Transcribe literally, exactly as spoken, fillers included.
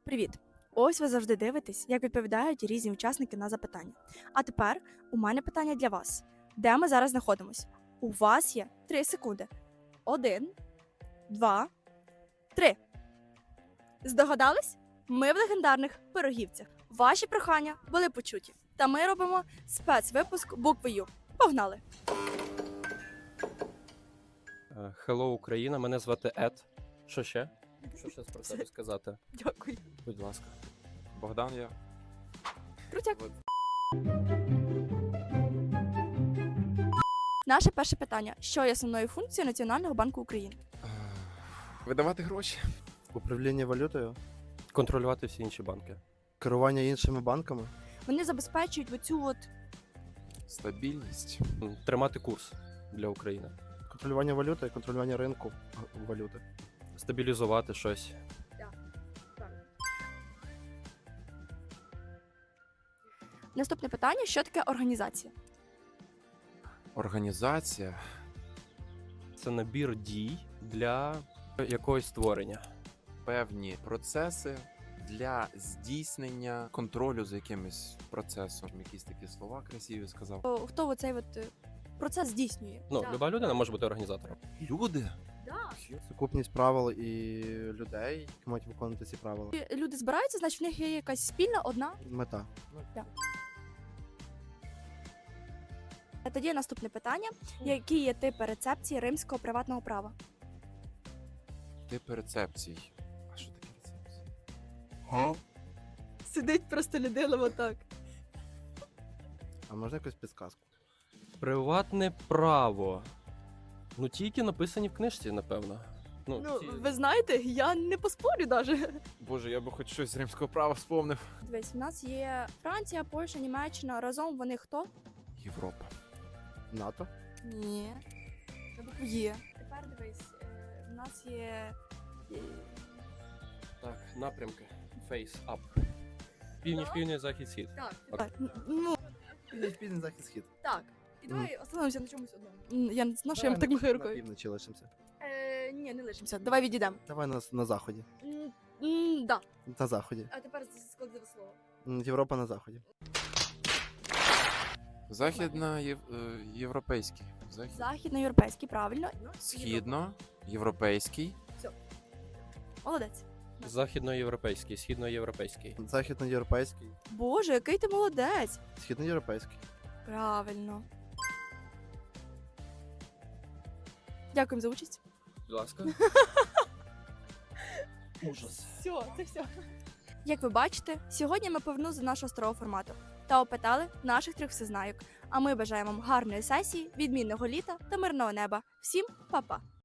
Привіт! Ось ви завжди дивитесь, як відповідають різні учасники на запитання. А тепер у мене питання для вас. Де ми зараз знаходимось? У вас є три секунди. Один, два, три. Здогадались? Ми в легендарних пирогівцях. Ваші прохання були почуті. Та ми робимо спецвипуск букви Ю. Погнали! Hello, Україна, мене звати Ед. Що ще? Що ще про себе сказати? Дякую. Будь ласка. Богдан я. Крутяк. Наше перше питання. Що є основною функцією Національного банку України? Видавати гроші. Управління валютою, Контролювати всі інші банки. керування іншими банками, Вони забезпечують оцю от Стабільність. М, Тримати курс для України. контролювання валюти, контролювання ринку г- валюти. Стабілізувати щось. Наступне питання: що таке організація? Організація. Це набір дій для якогось створення. Певні процеси для здійснення контролю за якимось процесом. Якісь такі слова красиві сказав. О, Хто оцей от е, процес здійснює? Ну, Так. люба людина може бути організатором. Люди. Да. Сукупність правил і людей, які мають виконувати ці правила. І Люди збираються, значить в них є якась спільна одна. Мета. А тоді наступне питання: які є типи рецепції римського приватного права? Типи рецепцій. А що таке рецепція? Сидить просто людина отак. А можна якусь підсказку? Приватне право. Ну, тільки написані в книжці, напевно. Ну, Ну, ці- ви знаєте, я не поспорю навіть. Боже, я би хоч щось з римського права вспомнив. Дивись, у нас є Франція, Польща, Німеччина. Разом вони хто? Європа. НАТО? Ні. На букву Є. Тепер дивись, е, в нас є. е, Так, напрямки. Face up. Північ, північ, захід, схід. Так, Окей. так. Ну, Північ, південь, захід, схід. так. І давай остановимося на чомусь одному. М, Я не знаю, що я так махаю На рукою. півночі лишимося. Е, ні, не лишимося. Давай відійдемо. Давай на, на заході. М, м, Да. На заході. А тепер складливе слово. М, Європа на заході. Західна єв... е, європейський. Захід... Західноєвропейський, правильно. Східно. Європейський. Молодець. Західноєвропейський, східноєвропейський. Західноєвропейський. Боже, який ти молодець. Східноєвропейський. Правильно. Дякуємо за участь. Будь ласка. Ужас. Все, це все. Як ви бачите, сьогодні ми повернулися до нашого старого формату та опитали наших трьох всезнайок. А ми бажаємо вам гарної сесії, відмінного літа та мирного неба. Всім па-па!